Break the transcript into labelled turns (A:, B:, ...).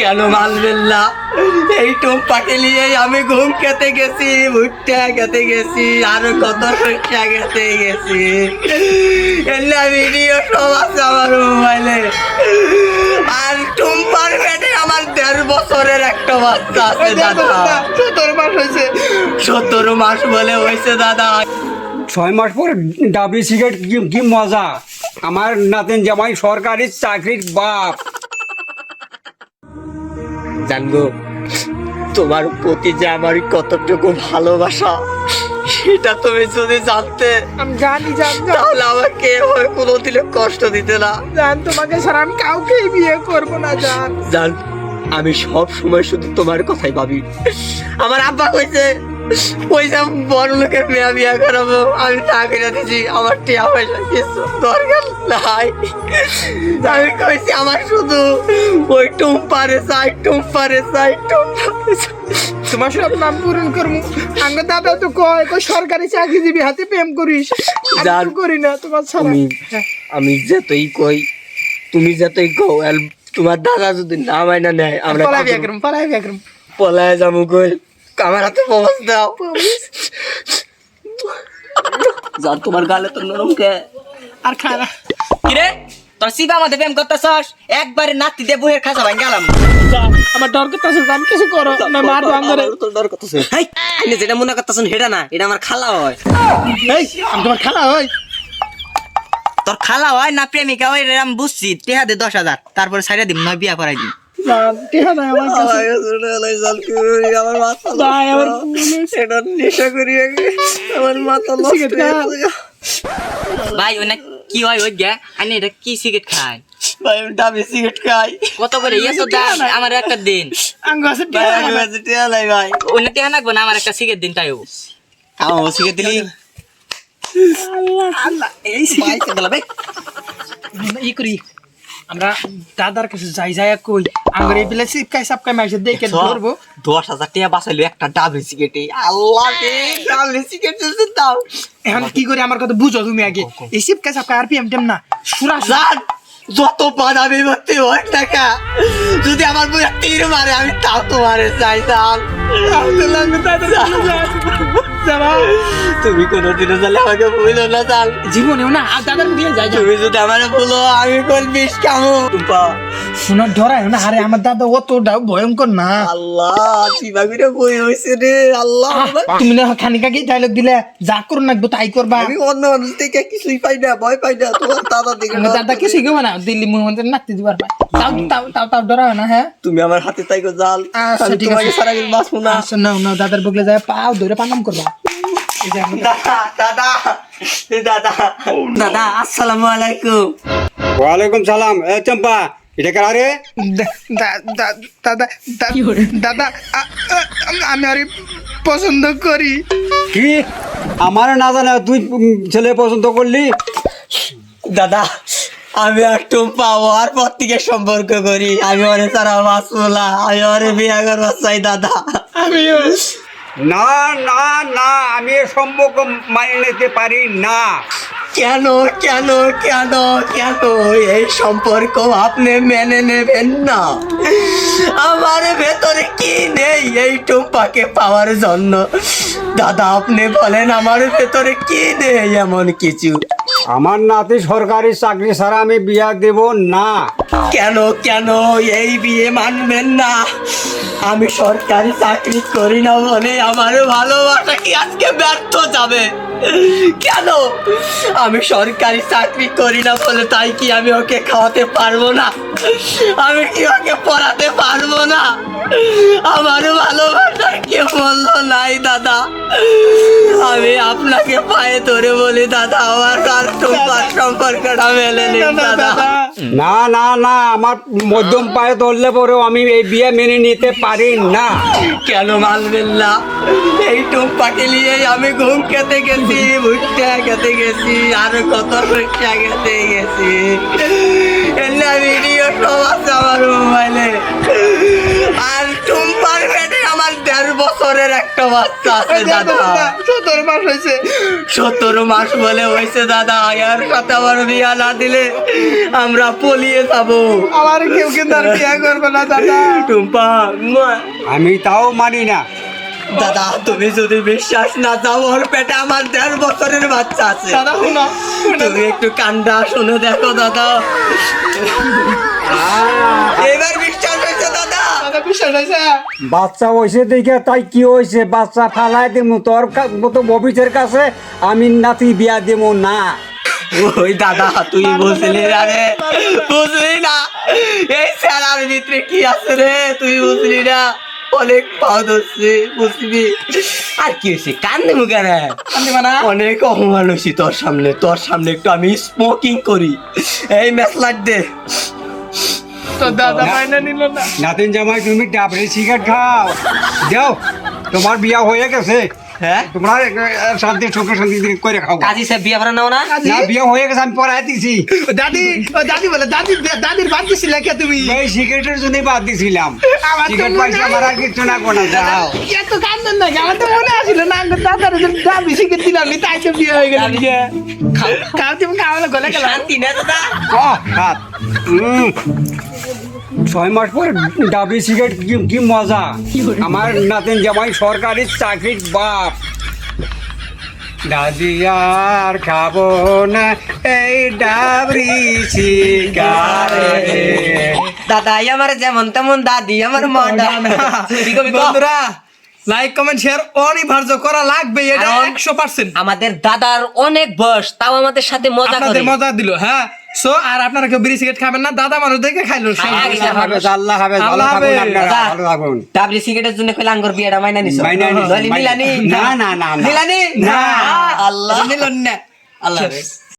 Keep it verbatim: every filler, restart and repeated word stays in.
A: কেন মানবেন না? এই টুম্পাকে নিয়েই আমি ঘুম খেতে গেছি, ভুট্টা খেতে গেছি, আরো কত শস্যা খেতে গেছি। এলে ভিডিও সব আছে আমার মোবাইলে। আর টুম্পার পেটে আমার দেড় বছরের একটা বাচ্চা আছে দাদা।
B: সতেরো মাস হয়েছে।
A: সতেরো মাস বলে হয়েছে দাদা।
C: ছয় মাস পর ডাবলি সিগারেট কি কি মজা! আমার নাতেন জামাই সরকারি চাকরির বাপ।
A: জানগো, তোমার প্রতি যে আমার কতটুকু ভালোবাসা সেটা তুমি যদি জানতে,
B: আমি জানি জান
A: তাহলে আমাকে এভাবে কোনোদিনও কষ্ট দিতে না।
B: জান তোমাকে ছাড়া আমি কাউকেই বিয়ে করবো না জান।
A: জান, আমি সব সময় শুধু তোমার কথাই ভাবি। আমার আব্বা কইছে পয়সা বড় লোকের মেয়া বিয়া করাবো, আমি টাকা দিচ্ছি, আমার টিয়া পয়সা কিছু দরকার নাই। আমি কইছি আমার শুধু ওই টুম্পারে চাই, টুম্পারে চাই, টুম্পারে চাই।
B: তোমার সব নাম পূরণ করবো। আঙ্গ দাদা তো কয় কয় সরকারি চাকরিজীবী হাতে প্রেম করিস। আমি
A: জান,
B: তো করি না তোমার ছাড়া।
A: আমি আমি যতই কই, তুমি যতই কও, আর তোমার দাদা যদি না মাইনা নেয়, আমরা
B: পলাই বিয়ে করবো, পলাই বিয়ে করবো।
A: পলায় যাবো কই। আমার হাতে প্রবাস দাও। জান, তোমার গালে তো নরম কে।
B: আর খানা
D: কিরে তোর সিবা আমাদের প্রেম করতেছস, একবারে নাতি দিয়ে বইয়ের খাঁচা ভাঙ গেলাম।
B: আমার ডর করতেছে জান, কিছু করো না মার বাঙ্গরে।
A: তোর ডর করতেছে।
D: হেই আপনি যেটা মনে করতেছেন সেটা না, এটা আমার খালা হয়।
B: এই আমি তোমার খালা হই।
D: তোর খালা হয় না প্রেমিকা হয় এটা আমি বুঝছি। টেহা দে দশ হাজার, তারপরে ছাইড়া দিম, নয় বিয়া করাই দিম।
B: জান টিহা নাই আমার কাছে।
A: আমার মাথা
B: ভাই আমার
A: এটা নেশা করি আগে, আমার মাথা নষ্ট
B: সিগারেট
A: হয়ে
B: খা।
A: গেছে।
D: ভাই ওই না কি হয় ওই গে আনি এটা কি সিগারেট খায়?
A: ভাই আমি ডাবলি সিগারেট খাই।
D: কত করে ইয়েছো দাম? আমার একটা দিন।
B: আঙ্গ আছে
A: ভাই
B: টিহা
A: আমি
B: নাই।
A: কাছে টিয়া নাই ভাই।
D: ওই না টেহা নাকবো না, আমার একটা সিগারেট দিন তাইও।
A: আমার সিগারেট দিলি
B: আল্লাহ এই
A: ভাই গেল ভাই।
B: ই করি আমরা দাদার কাছে যাই যাই কই আঙ্গরে বিলে সিপকাই সাপকাই মাইছে দেখে ধরবো।
A: দশ হাজার টাকা বাঁচাইলো একটা ডাবলি সিগারেটে। আল্লাহ রে, ডাবলি সিগারেটের দাম।
B: এখন কি করি আমার কথা বুঝো তুমি আগে। এই সিপকাই সাপকাই আর পিএম টেম না সুরা
A: জান, যত বাদামি ভর্তি হোক টাকা, যদি আমার বই তীর মারে আমি তাও তোমারে চাই জান। তুমি কোনোদিনও চাইলে আমাকে ভুলো না জান।
B: জীবনেও না আর দাদার দিয়ে যাই যাই
A: তুমি যদি আমার ভুলো, আমি কোন বিষ কামু।
B: শোনা ডরায় না। আরে আমার দাদা অতটাও ভয়ঙ্কর না।
A: আল্লাহ, চিবাগুড়ে বই হয়েছে রে। আল্লাহ,
B: তুমি না খানিকা কি ডায়লগ দিলে যা করো নাকবো তাই করবা।
A: আমি অন্য মানুষ থেকে কিছুই পাই না, ভয় পাই না। তোমার দাদা দিকে
B: আমার দাদা কি শিখবো না দিল্লি মধ্যে নাচতে দিবার পাই। তাও তাও তাও তাও ডরায় না। হ্যাঁ
A: তুমি আমার হাতে তাই গো জাল।
B: আচ্ছা,
A: আমি
B: ঠিক
A: তোমাকে
B: আছে।
A: সারা দিন বাঁচবো না।
B: আচ্ছা নাও নাও দাদার বগলে যায় পাও ধরে পানাম করবা। এই যে আমার
A: দাদা দাদা দাদা দাদা, আসসালামু আলাইকুম।
C: ওয়ালাইকুম সালাম। এ চম্পা, এটা কারা রে?
B: দা- দা- দা- দাদা দা- দাদা আ- আ- আমি আরে পছন্দ করি।
C: কি আমার না জানা তুই উম, ছেলে পছন্দ করলি?
A: দাদা, আমি আর টুম্পা ওর পর থেকে সম্পর্ক করি। আমি ওরে সারা বাঁচবো না, আমি ওরে বিয়ে করবো চাই দাদা।
B: আমি
C: না না না, আমি এ সম্পর্ক মানিয়ে নিতে পারি না।
A: কেন কেন কেন কেন এই সম্পর্ক আপনি মেনে নেবেন না? আমার ভেতরে কি নেই এই টুম্পাকে পাওয়ার জন্য? দাদা আপনি বলেন, আমার ভেতরে কি নেই এমন কিছু?
C: আমার নাতি সরকারি চাকরি ছাড়া আমি বিয়া দেব না।
A: কেন কেন এই বিয়ে মানবেন না? আমি সরকারি চাকরি করি না বলে আমার ভালোবাসা কি আজকে ব্যর্থ যাবে? কেন? আমি সরকারি চাকরি করি না বলে তাই কি আমি ওকে খাওয়াতে পারবো না? আমি কি ওকে পড়াতে পারবো না? আমার ভালোবাসার কে বললো নাই দাদা? আমি আপনাকে পায়ে ধরে বলি দাদা, আমার আর তোমার সম্পর্কটা মেলে নিন দাদা।
C: না না না, আমার মধ্যম পায়ে ধরলে পরেও আমি এই বিয়ে মেনে নিতে পারি না।
A: কেন মানবেন না? এই টুম্পাকে নিয়েই আমি ঘুম খেতে গেছি, ভুট্টা খেতে গেছি, আরো কত শস্যা খেতে গেছি। এলে ভিডিও সব আছে আমার মোবাইলে। আর টুম্পার পেটে আমার দেড় বছর বছরের একটা বাচ্চা আছে দাদা।
B: সতেরো মাস হয়েছে।
A: সতেরো মাস বলে হয়েছে দাদা, এর সাথে আমার বিয়া না দিলে আমরা পলিয়ে যাবো।
B: আমার কেউ কিন্তু আর বিয়ে করবে না দাদা।
A: টুম্পা, মুয়া।
C: আমি তাও মানি না।
A: দাদা তুমি যদি বিশ্বাস না দাও, ওর পেটে আমার দেড় বছরের বাচ্চা আছে।
B: দাদা শুনো,
A: তুমি একটু কান্ডা শুনে দেখো দাদা, এবার বিশ্বাস হয়েছে দাদা।
B: দাদা বিশ্বাস হয়েছে?
C: বাচ্চা হয়েছে দেখে তাই কি হয়েছে, বাচ্চা ফালাই দেবো তোর কা- মতো ববিসের কাছে আমি নাতি বিয়া দেবো না।
A: ওই দাদা তুই বুঝলি না রে, বুঝলি না এই স্যারার ভিতরে কি আছে রে, তুই বুঝলি না। অনেক পাওয়া হচ্ছে, বুঝবি। আর কি হয়েছে কান্দে মুখে রে, অনেক অপমান হয়েছি তোর সামনে। তোর সামনে একটু আমি স্মোকিং করি, এই মেসলাট দে।
B: তো দাদা মাইনা নিল না।
C: নাতিন জামাই তুমি ডাবরে সিগারেট খাও, যাও তোমার বিয়া হয়ে গেছে।
A: হ্যাঁ
C: তোমরা আহ, শান্তি সুখে শান্তি করে খাও।
A: কাজী সাহেব বিয়ে করা নাও না?
C: না বিয়া হয়ে গেছে, আমি পড়াই দিছি।
B: দাদি, ও দাদি বলে দাদি, দাদির বাদ দিছিলে কে তুমি?
C: এই সিগারেটের জন্য বাদ দিছিলাম।
B: আমার তো
C: সিগারেট
B: মনে
C: পয়সা আমার আর কিছু না কোনা যাও।
B: এত কান্দেন না, আমার তো মনে আসছিল না আমার দাদার দাবি শিখে দিলাম নি, তাই তো বিয়ে হয়ে গেল। খাও তুমি খাওয়ালে গলে গেল।
A: শান্তি না দাদা?
C: আহ, খাত। উম, ছয় মাস পরে ডাবি সিগারেট কি কি মজা। আমার নাতিন জামাই সরকারি চাকরির বাপ। দাদি আর খাবো না এই ডাবরি সিগারেট।
A: দাদাই আমার যেমন তেমন, দাদি আমার মডার্ন।
B: বন্ধুরা লাইক কমেন্ট শেয়ার অনিবার্য করা লাগবে, এটা
A: কারণ
B: একশো পার্সেন্ট।
A: আমাদের দাদার অনেক বয়স, তাও আমাদের সাথে মজা করে।
B: আপনাদের মজা দিল। হ্যাঁ, সো আর আপনারা কেউ বিড়ি সিগারেট খাবেন না, দাদা মানুষ দেখে খাইলো।
C: আল্লাহ হাফেজ, আল্লাহ হাফেজ, ভালো
B: আল্লাহ
C: থাকুন
B: হাফেজ।
C: আপনারা,
A: দাদা,
C: ভালো থাকুন।
A: ডাবলি সিগারেটের জন্য কইলা আঙ্গুর বিয়েটা মাইনা নিছো?
C: মাইনা নিছি,
A: নইলে
C: মাইনা-
A: নিলানি?
C: না, না, না, না।
A: নিলানি?
C: না।
A: আল্লাহ
B: নিলন না।
A: আল্লাহ হাফেজ।